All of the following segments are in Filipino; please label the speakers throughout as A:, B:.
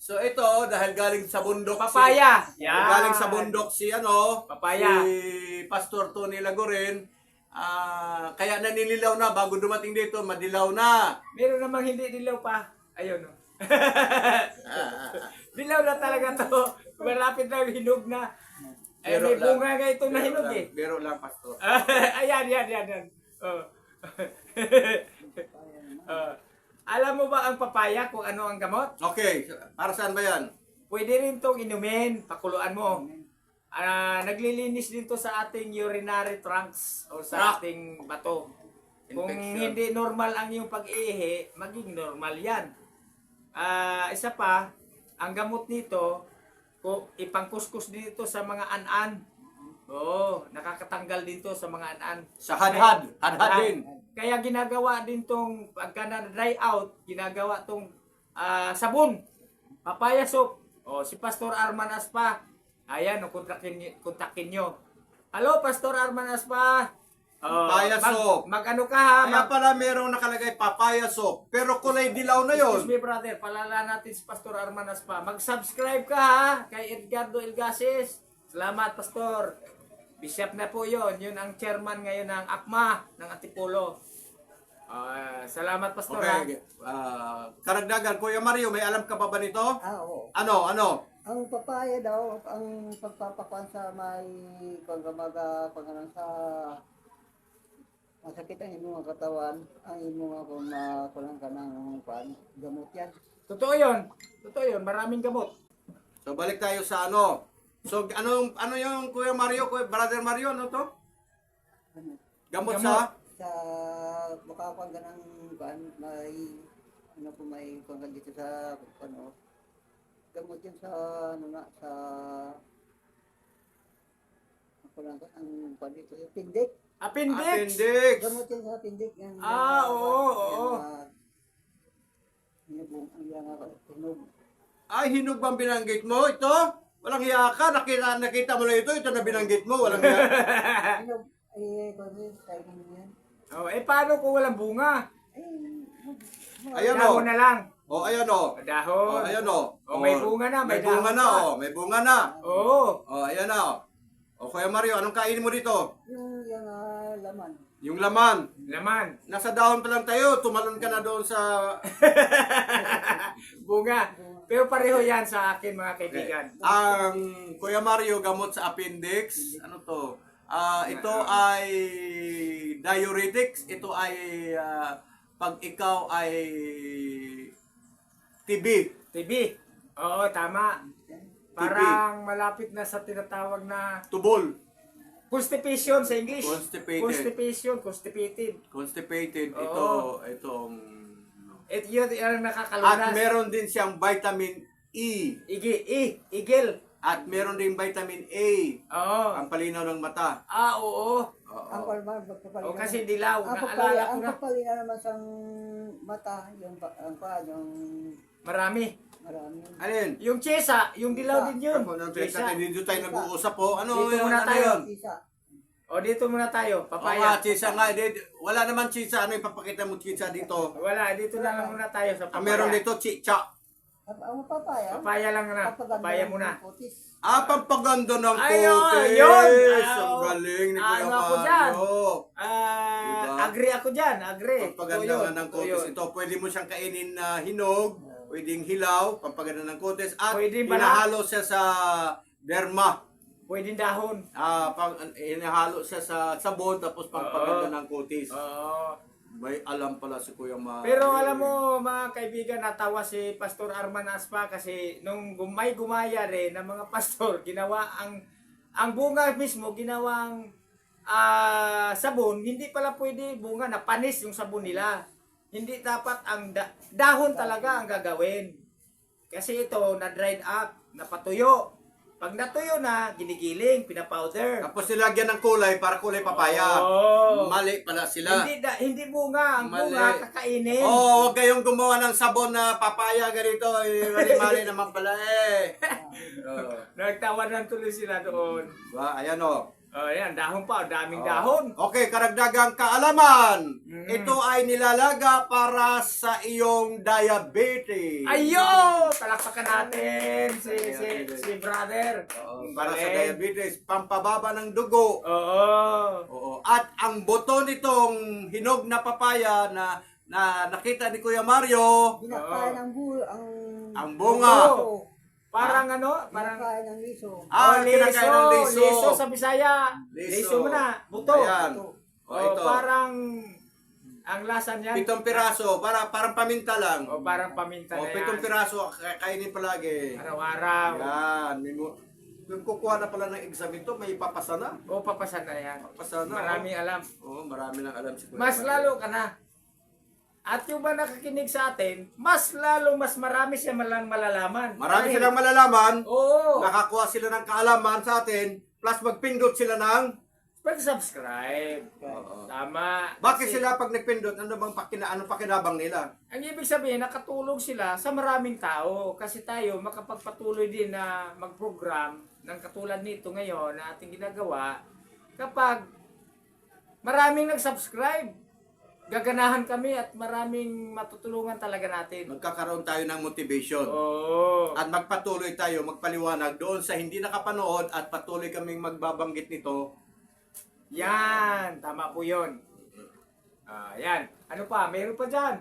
A: So ito, dahil galing sa bundok
B: Papaya.
A: galing sa bundok si
B: Papaya.
A: si Pastor Tony Lagoren, kaya nanililaw na bago dumating dito, madilaw na.
B: Meron namang hindi dilaw pa. Ayun, oh. Dilaw na talaga to. Malapit na hinog na. Eh, may bunga nga ito na hinog eh.
A: Biro lang, Pastor.
B: Ayan. Oh. Alam mo ba ang papaya kung ano ang gamot?
A: Okay, para saan ba yan?
B: Pwede rin itong inumin, pakuluan mo. Naglilinis din to sa ating urinary trunks o sa ating bato. Kung
A: Infection.
B: hindi normal ang iyong pag-ihi, maging normal yan. Isa pa, ang gamot nito, kung ipangkuskus dito sa mga an-an. Oo, nakakatanggal din to sa mga an-an.
A: Sa hadhad din.
B: Kaya ginagawa din tong pagka na-dry out, ginagawa tong sabon, papaya soap. O si Pastor Arman Aspa. Ayan, kontakin nyo. Hello, Pastor Arman Aspa.
A: Papaya soap.
B: Mag-ano ka ha?
A: Kaya pala merong nakalagay papaya soap, pero kulay dilaw na yon.
B: Excuse me, brother. Palala natin si Pastor Arman Aspa. Mag-subscribe ka ha kay Edgardo Elgases. Salamat, Pastor. Bishop na po yon. Yun ang chairman ngayon ng ACMA ng Antipolo. Salamat, Pastor.
A: Okay. Karagdagan, Kuya Mario, may alam ka pa ba nito?
C: Oo.
A: Ano?
C: Ang papaya daw, ang pagpapakuan sa may pagkamaga, pagkanan sa masakit ang imong katawan, ang imong kung makulang ka ng gamot yan.
B: Totoo yun. Maraming gamot.
A: So balik tayo sa ano. So ano yung Kuya Mario, Brother Mario, ano to? Gamot sa
C: Sa makakuan ka ng may may kuwan dito sa gamot yan sa sa makulang ka ng dito, yung pindik.
B: Appendix.
A: appendix.
C: Gamot yan sa pindik. Yan,
B: Oo.
C: Hinog.
A: Ay, hinog bang binanggit mo ito? Walang hiya ka, nakita mo na ito na binanggit mo, walang hiya.
C: Hinog. Kasi timing yan.
B: Paano kung walang bunga?
A: Ayan
B: Dahon na lang.
A: Ayan o.
B: Dahon.
A: Ayan o.
B: May bunga na,
A: May
B: dahon
A: bunga na
B: pa.
A: May bunga na.
B: Oo.
A: Ayan na Kuya Mario, anong kainin mo dito?
C: Yung laman.
A: Yung laman.
B: Laman.
A: Nasa dahon pa lang tayo, tumalon ka na doon sa...
B: Bunga. Pero pareho yan sa akin, mga kaibigan.
A: Ang Kuya Mario, gamot sa appendix. Ano to? Ito ay diuretics. Ito ay pag ikaw ay TB.
B: TB. Oo, tama. Parang malapit na sa tinatawag na
A: Tubol.
B: constipation sa English.
A: Constipated.
B: Constipation, constipated.
A: Constipated.
B: Oo.
A: Itong...
B: Yun ang nakakalunas.
A: At meron din siyang vitamin E.
B: Igil.
A: At meron din vitamin A.
B: Oo.
A: Ang palinaw ng mata.
B: Oo.
C: Ang palman,
B: O kasi dilaw.
C: ang
B: Naalala ko na.
C: papalina naman sa mata, yung
B: Marami.
C: marami.
A: Alin?
B: Yung chesa, yung dilaw din yun. Chesa.
A: Dito tayo nag-uusap po. Ano
B: Dito
A: yun?
B: muna
A: Ano
B: tayo.
A: yun?
C: Sisa.
B: O dito muna tayo.
A: Papaya.
B: Papaya.
A: Chisa nga. Wala naman chisa. Ano yung papakita mo chisa dito?
B: Wala, dito na lang muna tayo sa papaya.
A: Ang meron dito, chicha.
C: Ang papaya.
B: Papaya lang na. Papaya muna.
C: Putis.
A: Pampaganda ng
B: Ayun,
A: kutis.
B: yun.
A: Ang galing ni Kuya
B: Ano ako dyan?
A: Mario. Diba?
B: Agree ako dyan. Agree.
A: Pampaganda nga ng kutis.
B: Ito yun.
A: Ito, pwede mo siyang kainin na hinog. Pwedeng hilaw, pampaganda ng kutis. At
B: Pwedeng balat.
A: hinahalo siya sa derma.
B: Pwedeng dahon.
A: Hinahalo siya sa sabon, tapos pampaganda ng kutis.
B: Oo.
A: May alam pala si Kuya Mario.
B: Pero alam mo mga kaibigan, natawa si Pastor Arman Aspa kasi nung may gumaya rin ng mga pastor, ginawa ang bunga mismo, ginawang sabon, hindi pala pwede bunga na panis yung sabon nila. Hindi dapat ang dahon talaga ang gagawin. Kasi ito na-dried up, napatuyo. Pag natuyo na, ginigiling, pinapowder.
A: Tapos nilagyan ng kulay para kulay papaya.
B: Oo.
A: Mali pala sila.
B: Hindi bunga, ang
A: Mali.
B: bunga kakainin.
A: Huwag kayong gumawa ng sabon na papaya ganito. Mali-mali naman pala eh.
B: Nagtawanan tuloy sila doon.
A: Diba? Ayan
B: Oh, yan, dahon pa, daming dahon.
A: Okay, karagdagang kaalaman.
B: Mm.
A: Ito ay nilalaga para sa iyong diabetes.
B: Ayo! Palakpakan natin si brother.
A: Para sa
B: Galing.
A: diabetes, pampababa ng dugo.
B: Oo.
A: Oo. At ang buto nitong hinog na papaya na nakita ni Kuya Mario,
C: Binakain
A: ang bunga.
C: liso.
B: Parang ano? Parang
C: Binakain ng liso.
A: Kinakain ng liso.
B: Liso sa Bisaya. Liso mo na. Buto.
A: Ayan.
B: Oh,
A: ito.
B: parang ang lasa niyan.
A: 7 piraso, parang paminta lang.
B: O parang paminta na yan.
A: 7 piraso, kainin palagi.
B: Araw-araw.
A: Yan. Kung kukuha na pala ng exam ito, may papasa na.
B: O papasan na yan.
A: Papasa na.
B: Maraming alam.
A: Oo, marami nang alam si Kuya
B: Mas
A: Mario.
B: lalo ka na. At yung ba nakakinig sa atin, mas marami siya malalaman.
A: Marami
B: Dahil-
A: silang malalaman.
B: Oo.
A: Nakakuha sila ng kaalaman sa atin, plus magpindot sila ng...
B: Pag-subscribe.
A: Oo.
B: Tama.
A: Bakit
B: Kasi
A: sila pag nagpindot, anong pakinabang nila?
B: ang ibig sabihin, nakatulong sila sa maraming tao. Kasi tayo, makapagpatuloy din na mag-program ng katulad nito ngayon na ating ginagawa. Kapag maraming nag-subscribe, gaganahan kami at maraming matutulungan talaga natin.
A: Magkakaroon tayo ng motivation.
B: Oo.
A: At magpatuloy tayo, magpaliwanag doon sa hindi nakapanood at patuloy kaming magbabanggit nito.
B: Yan, tama po 'yon. Yan. Ano pa? Meron pa diyan.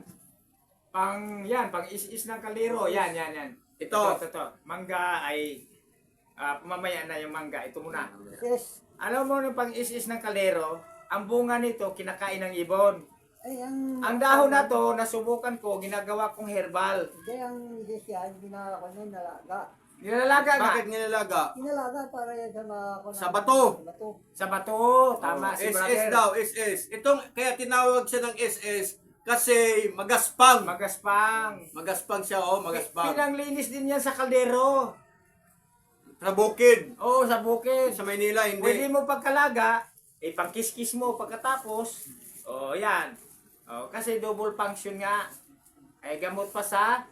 B: Pang is-is ng kaliro. Yan.
A: Ito.
B: Ito. Mangga ay mamaya na yung mangga. Ito muna.
C: Yes.
B: Alam mo yung pang is-is ng kalero, ang bunga nito kinakain ng ibon.
C: Ay,
B: Ang dahon na to, nasubukan ko, ginagawa kong herbal.
C: Hindi, ang dish yan, ginawa ko niya, nalaga.
B: Nilalagay nga.
A: Bakit nilalaga?
C: Kinalaga para yan sa mga...
A: Sa bato.
C: Sa bato.
B: Sa bato. Tama si
A: SS
B: brother.
A: daw, SS. Itong, kaya tinawag siya ng SS kasi magaspang.
B: Magaspang.
A: Magaspang siya, magaspang.
B: Pinanglinis din yan sa kaldero.
A: Sa bukid.
B: Oo, sa bukid.
A: Sa Maynila,
B: Pwede
A: hindi.
B: mo pagkalaga, pangkiskis mo pagkatapos. Yan. Kasi double function nga. Ay gamot pa sa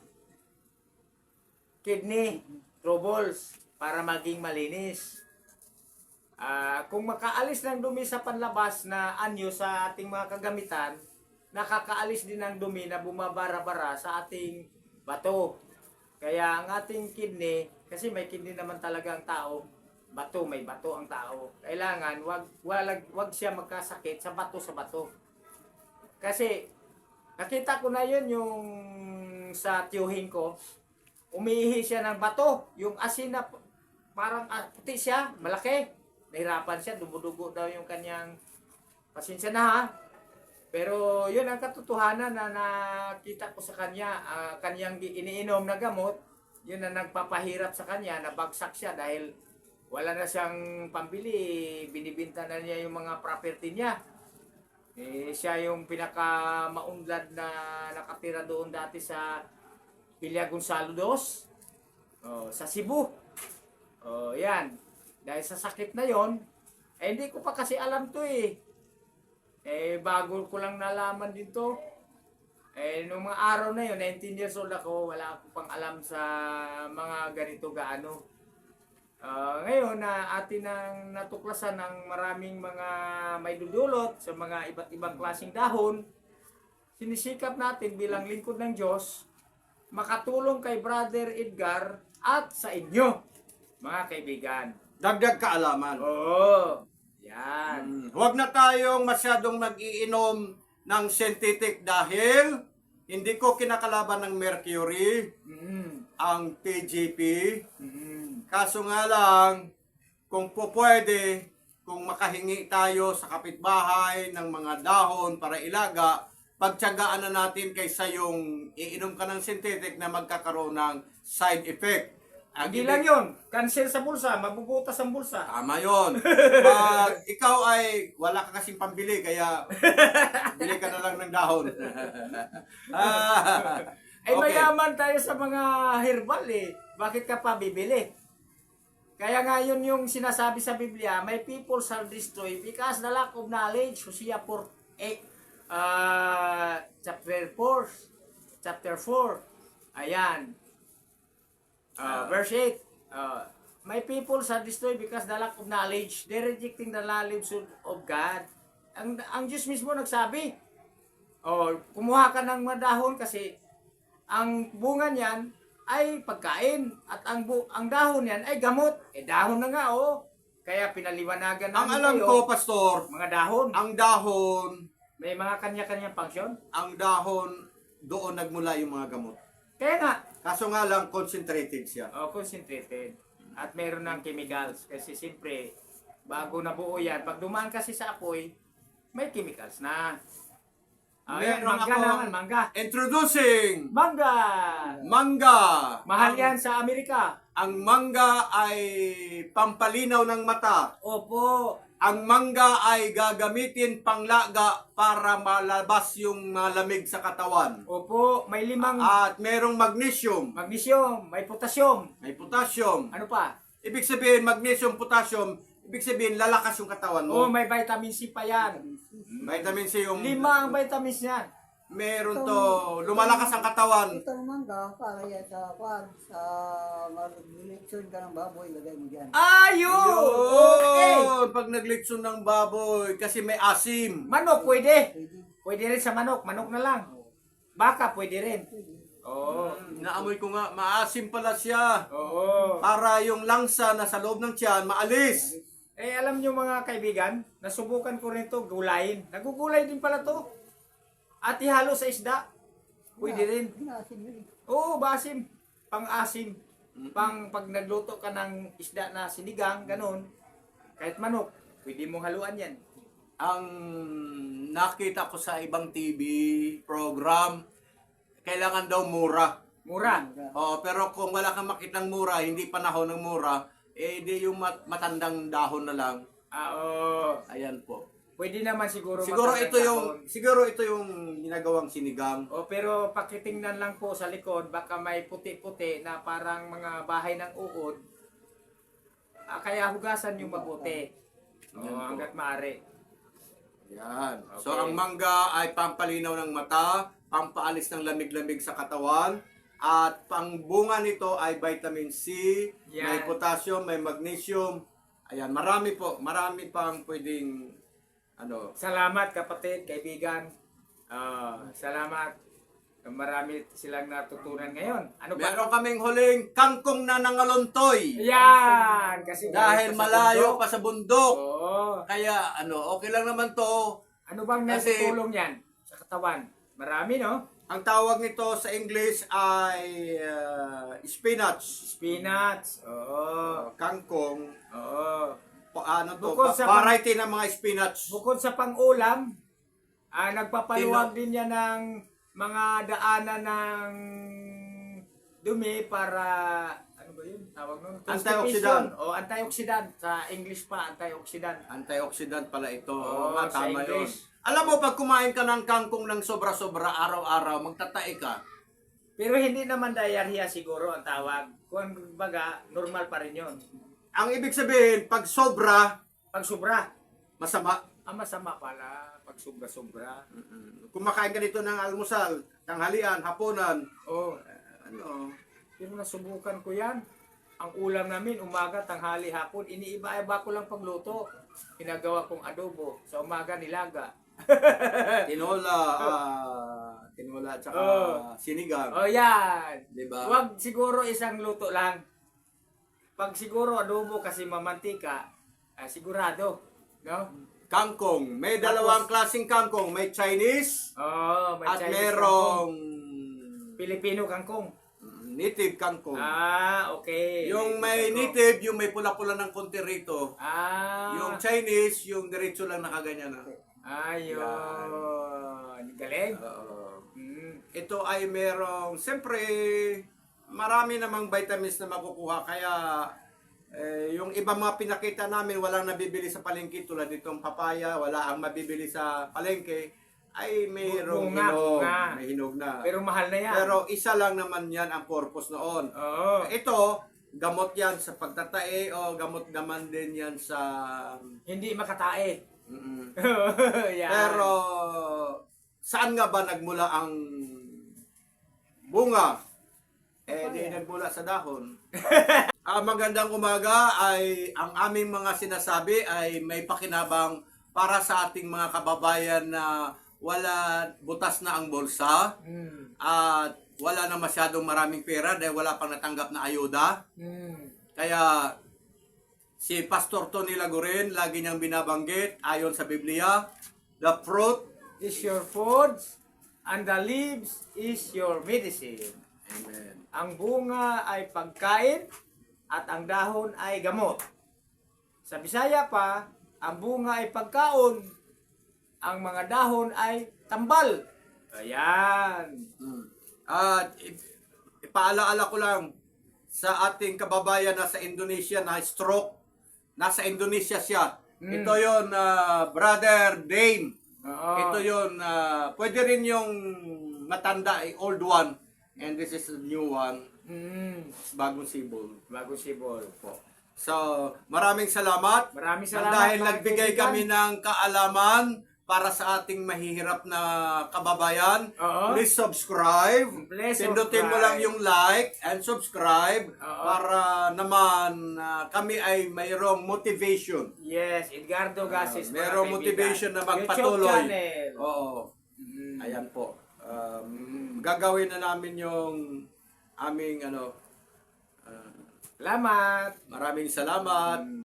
B: kidney troubles para maging malinis. Kung makaalis ng dumi sa panlabas na anyo sa ating mga kagamitan, nakakaalis din ng dumi na bumabara-bara sa ating bato. Kaya ang ating kidney, kasi may kidney naman talaga ang tao, may bato ang tao. Kailangan wag siya magkasakit sa bato. Kasi nakita ko na yun yung sa tiyuhin ko, umiihi siya ng bato, yung asin na parang puti siya, malaki. Nahirapan siya, dumudugo daw yung kanyang, pasensya na ha. Pero yun ang katotohanan na nakita ko sa kanya, kanyang iniinom na gamot, yun ang nagpapahirap sa kanya, nabagsak siya dahil wala na siyang pambili, binibinta na niya yung mga property niya. Siya yung pinaka-maunlad na nakatira doon dati sa Villa Gonzalo II, sa Cebu. Yan. Dahil sa sakit na yon, hindi ko pa kasi alam to bago ko lang nalaman din to. Nung mga araw na yun, 19 years old ako, wala akong pang alam sa mga ganito gaano. Ngayon na atin ang natuklasan ng maraming mga may dudulot sa mga iba't ibang klaseng dahon, sinisikap natin bilang lingkod ng Diyos, makatulong kay Brother Edgar at sa inyo, mga kaibigan.
A: Dagdag kaalaman.
B: Oo, yan.
A: Huwag na tayong masyadong nag-iinom ng synthetic dahil hindi ko kinakalaban ng mercury, ang TGP. Kaso nga lang, kung pwede, kung makahingi tayo sa kapitbahay ng mga dahon para ilaga, pagtiyagaan na natin kaysa yung iinom ka ng synthetic na magkakaroon ng side effect.
B: Hindi lang yun, cancer sa bulsa, mabubutas ang bulsa.
A: Tama yun. Pag ikaw ay wala ka kasing pambili, kaya bili ka na lang ng dahon.
B: Ay mayaman tayo sa mga herbal Bakit ka pa bibili? Kaya nga yun yung sinasabi sa Biblia, my people shall destroy because the lack of knowledge. Hosea 4, chapter 4. Ayan. Verse 8. My people are destroyed because the lack of knowledge. They're rejecting the knowledge of God. Ang Diyos mismo nagsabi, kumuha ka ng mga dahon kasi ang bunga niyan ay pagkain at ang dahon niyan ay gamot. Dahon na nga, Kaya pinaliwanagan
A: Ang
B: namin
A: alam
B: kayo,
A: ko, Pastor,
B: mga dahon.
A: ang dahon,
B: May mga kanya-kanyang function.
A: ang dahon, doon nagmula yung mga gamot.
B: Kaya nga,
A: Kaso nga lang, concentrated siya.
B: concentrated. At meron ng chemicals. Kasi siyempre, bago nabuo yan, pag dumaan kasi sa apoy, may chemicals na. Ayan,
A: Meron
B: mangga
A: akong-
B: naman, mangga.
A: Introducing
B: Mangga!
A: mangga.
B: Mahal
A: Ang-
B: yan sa Amerika.
A: Ang mangga ay pampalinaw ng mata.
B: Opo.
A: Ang mangga ay gagamitin panglaga para malabas yung malamig sa katawan.
B: Opo, may 5
A: At merong magnesium,
B: magnesium, may potassium.
A: may potassium.
B: Ano pa?
A: Ibig sabihin, magnesium, potassium, ibig sabihin, lalakas yung katawan mo.
B: May vitamin C pa yan.
A: Vitamin C yung...
B: 5 ang vitamins yan.
A: Meron to, lumalakas ang katawan.
C: Itong mangga, para yan sa kwan, sa mag-lechon ka ng baboy, lagay mo dyan.
B: Ayun! Okay!
A: Yun! Pag naglitson ng baboy, kasi may asim.
B: Manok, pwede.
C: Pwede.
B: Pwede rin sa manok. Manok na lang. Baka, pwede rin.
C: Pwede.
B: Oo.
A: Naamoy ko nga, maasim pala siya.
B: Oo.
A: Para yung langsa na sa loob ng tiyan, maalis.
B: Alam nyo mga kaibigan, nasubukan ko rin to gulayin. Nagugulay din pala to. At ihalo sa isda. Pwede rin.
C: Inasin yun eh.
B: Oo, basim. Pang-asim. Pag nagluto ka ng isda na sinigang, ganun. Kahit manok, pwede mong haluan yan.
A: Ang nakita ko sa ibang TV program, kailangan daw mura.
B: Mura.
A: Pero kung wala kang makitang mura, hindi panahon ng mura, di yung matandang dahon na lang.
B: Oo.
A: Ayan po.
B: Pwede naman siguro.
A: Siguro
B: matandang
A: ito yung ginagawang sinigang.
B: pero pakitingnan lang po sa likod, baka may puti-puti na parang mga bahay ng uod. Kaya hugasan yung mabuti.
A: Yan po.
B: Hanggat maaari.
A: Yan.
B: Okay.
A: So ang mangga ay pampalinaw ng mata, pampaalis ng lamig-lamig sa katawan, at pangbunga nito ay vitamin C,
B: Yan.
A: may potassium, may magnesium. Ayan, marami pang pwedeng
B: Salamat kapatid, kaibigan. Salamat. Marami silang natutunan ngayon. Ano ba?
A: Meron kaming huling kangkong na nangalontoy.
B: Yan! Kasi
A: Dahil
B: galing pa sa
A: malayo
B: bundok.
A: pa sa bundok.
B: Oo.
A: Kaya okay lang naman to.
B: Ano bang
A: Kasi-
B: natutulong yan sa katawan? Marami, no?
A: Ang tawag nito sa English ay spinach.
B: Spinach. Oo.
A: Kangkong.
B: Oo.
A: Bukod
B: Bukod sa
A: variety ng mga spinach.
B: Bukod sa pang-ulam, nagpapaluwag din yan ng mga daanan ng dumi para, ano ba yun? Tawag nun?
A: Antioxidant.
B: O, antioxidant. Sa English pa, antioxidant.
A: Antioxidant pala ito.
B: Oo,
A: Oo nga,
B: sa
A: tama yun.
B: English.
A: Alam mo, pag kumain ka ng kangkong ng sobra-sobra araw-araw, magtatae ka.
B: Pero hindi naman diarrhea siguro ang tawag. Kung baga, normal pa rin yun.
A: Ang ibig sabihin, pag sobra,
B: Pag sobra,
A: masama.
B: masama pala. Pag sobra-sobra.
A: Kumakain ka dito ng almusal, tanghalian, hapunan.
B: Oh,
A: Ano?
B: pero nasubukan ko yan. Ang ulam namin, umaga, tanghali, hapon, iniiba-iba ko lang pagluto. Ginagawa kong adobo. Sa umaga, nilaga.
A: Tinola at saka
B: Oh.
A: sinigang.
B: O yan.
A: Diba?
B: Huwag siguro isang luto lang. Pag siguro adobo kasi mamantika, sigurado. No?
A: Kangkong. May dalawang klaseng kangkong. May Chinese
B: Oh, may
A: at
B: Chinese
A: merong
B: kangkong. Pilipino kangkong.
A: native kangkong.
B: Okay.
A: Yung may native, yung may pula-pula ng konti rito. Yung
B: Yung
A: Chinese, yung diretso lang nakaganyan na.
B: ayun. Galing.
A: Ito ay merong, siyempre, marami namang vitamins na makukuha. Kaya, yung ibang mga pinakita namin, walang nabibili sa palengke tulad nitong papaya, wala ang mabibili sa palengke, ay mayroong
B: Bunga,
A: hinog.
B: bunga.
A: May hinog na.
B: Pero mahal na yan.
A: Pero isa lang naman yan ang purpose noon.
B: Oo.
A: Ito, gamot yan sa pagtatae o gamot naman din yan sa...
B: Hindi makatae.
A: Mm-mm.
B: Yan.
A: Pero, saan nga ba nagmula ang bunga? Di nagmula sa dahon. Magandang umaga ay ang aming mga sinasabi ay may pakinabang para sa ating mga kababayan na wala butas na ang bulsa at wala na masyadong maraming pera dahil wala pang natanggap na ayuda. Kaya si Pastor Tony Laguren lagi niyang binabanggit ayon sa Biblia, the fruit
B: Is your food and the leaves is your medicine.
A: Amen.
B: Ang bunga ay pagkain at ang dahon ay gamot. Sa Bisaya pa, ang bunga ay pagkaon, ang mga dahon ay tambal. Ayan.
A: At ipaalaala ko lang sa ating kababayan na sa Indonesia na stroke, nasa Indonesia siya. Ito yon Brother Dane.
B: Oo.
A: Ito yon pwede rin yung matanda, old one. And this is a new one, bagong sibol.
B: Bago sibol po.
A: So, maraming salamat.
B: Maraming salamat,
A: Dahil
B: mga
A: nagbigay
B: kaibigan.
A: kami ng kaalaman para sa ating mahihirap na kababayan.
B: Oo.
A: Please subscribe.
B: Please
A: Pindutin mo
B: subscribe.
A: lang yung like and subscribe
B: Oo.
A: para naman kami ay mayroong motivation.
B: Yes, Edgardo Gases. mga
A: Mayroong
B: kaibigan.
A: motivation na
B: YouTube
A: magpatuloy.
B: channel.
A: Oo. Ayan po. Gagawin na namin yung aming
B: Salamat.
A: maraming salamat.